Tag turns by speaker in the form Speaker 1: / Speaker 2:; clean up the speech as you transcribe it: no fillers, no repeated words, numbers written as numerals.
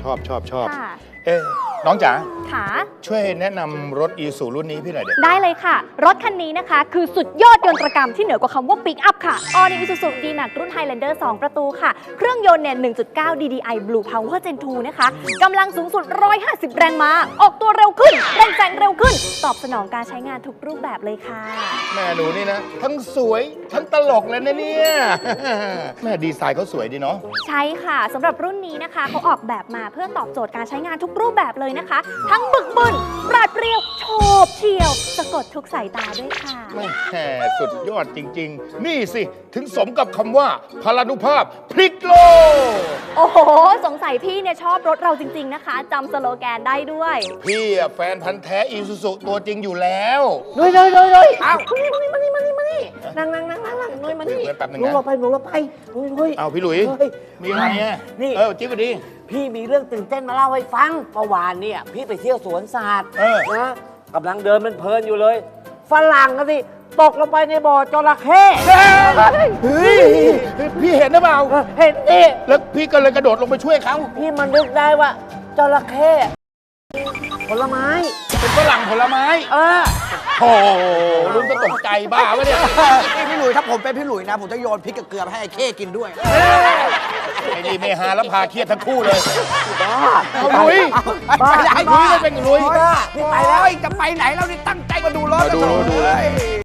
Speaker 1: อบ
Speaker 2: ค่ะ
Speaker 1: เอ๊ะน้องจ๋า
Speaker 2: ค่ะ
Speaker 1: ช่วยแนะนำรถอีซูรุ่นนี้พี่หน่อยเด็
Speaker 2: ได้เลยค่ะ รถคันนี้นะคะ คือสุดยอดยนตรกรรมที่เหนือกว่าคำว่าปิกอัพค่ะ All New Isuzu D-Max รุ่น Highlander 2 ประตูค่ะ เครื่องยนต์เนี่ย 1.9 DDI Blue Power Gen 2 นะคะกำลังสูงสุด 150 แรงม้า ออกตัวเร็วขึ้นเร่งแซงเร็วขึ้น ตอบสนองการใช้งานทุกรูปแบบเลยค่ะ
Speaker 1: แม่หนูนี่นะ ทั้งสวยทั้งตลกเลยนะเนี่ย แม่ดีไซน์เขาสวยดีเนาะ
Speaker 2: ใช่ค่ะสำหรับรุ่นนี้นะคะเขาออกแบบมาเพื่อตอบโจทย์การใช้งานทุกรูปแบบเลยนะคะ ทั้งบึกบึนปราดเปรียวโฉบเฉี่ยว สะกดทุกสายตาด้วยค่ะ
Speaker 1: แม่สุดยอดจริง ๆ นี่สิ ถึงสมกับคำว่าพลานุภาพพลิกโลก
Speaker 2: โอ้โห สงสัยพี่เนี่ยชอบรถเราจริง ๆนะคะจำสโลแกนได้ด้วย
Speaker 1: พี่อะแฟนพันธ์แท้อีซูซูตัวจริงอยู่แล้ว
Speaker 3: นุ้ยอ้าวมานี่นั่งนุ้ยมานี่
Speaker 1: แป๊บนึง
Speaker 3: หนู
Speaker 1: นะ
Speaker 3: หลบไปนุ้ย
Speaker 1: เอาพี่หลุย
Speaker 3: เฮ้ย
Speaker 1: มีอะไรอ่ะ
Speaker 3: นี่
Speaker 1: จิ๊บก็ดี
Speaker 3: พี่มีเรื่องตื่นเต้นมาเล่าให้ฟังเมื่อวานเนี่ยพี่ไปเที่ยวสวนสัตว์
Speaker 1: เออ
Speaker 3: นะกำลังเดินมันเพลินอยู่เลย ฝรั่งก็สิตกลงไปในบ่อจระเข้
Speaker 1: เฮ้ยพี่เห็นหรือเปล่า
Speaker 3: เห็นดิ
Speaker 1: แล้วพี่ก็เลยกระโดดลงไปช่วยเขา
Speaker 3: พี่มันนึกได้ว่าจระเข้ผลไม้
Speaker 1: เป็นฝรั่งผลไม้
Speaker 3: เออ
Speaker 1: โอ้โหลุงก็ตกใจบ้าวะเนี่ย
Speaker 4: พี่หลุยถ้าผมเป็นพี่หลุยนะ ผมจะโยนพริกกับเกลือไปให้ไอ้เข้กินด้วย
Speaker 1: ไอ้นี่เมหาแล้วพาเครียดทั้งคู่เลย
Speaker 3: บ้า
Speaker 1: เอาลุย
Speaker 3: บ้า
Speaker 1: ลุยไม่เป็นลุย
Speaker 3: พี่ไปแล้ว
Speaker 4: จะไปไหนเรานี่ตั้งใจมาดูรถ
Speaker 1: มาดูเลย